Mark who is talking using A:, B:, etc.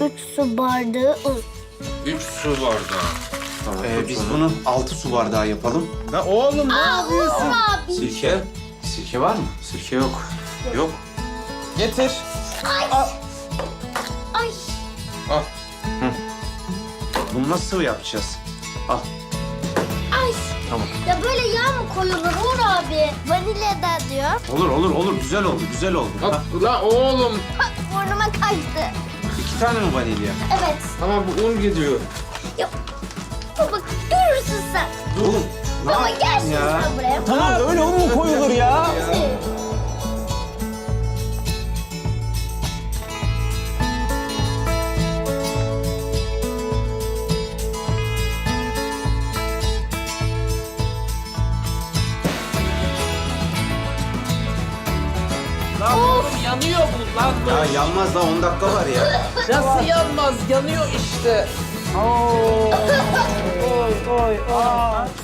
A: 3 su bardağı un.
B: 3 su bardağı. Tamam.
C: Biz bunu 6 su bardağı yapalım.
B: La oğlum ne yapıyorsun?
A: Abi.
C: Sirke. Sirke var mı?
B: Sirke yok. Yok.
C: Getir.
A: Ay.
B: Al.
C: Bunu nasıl yapacağız? Al.
A: Ay.
C: Tamam.
A: Ya böyle yağ mı koyulur Uğur abi? Vanilya da diyor.
C: Olur. Güzel oldu, güzel oldu.
B: Al.
C: Ha,
B: La oğlum.
A: Burnuma kaçtı.
C: 2 tane mi vanilya?
A: Evet.
B: Ama bu un gidiyor.
A: Ya baba görürsün sen.
C: Oğlum. ne
A: Baba
C: yaptın
A: gel şimdi
C: ya?
A: sen buraya.
D: Tamam öyle un mu koyulur ya?
E: Yanıyor bu lan.
C: Ya yanmaz daha 10 dakika var ya.
E: Nasıl yanmaz? Yanıyor işte.
D: Oy oy oy.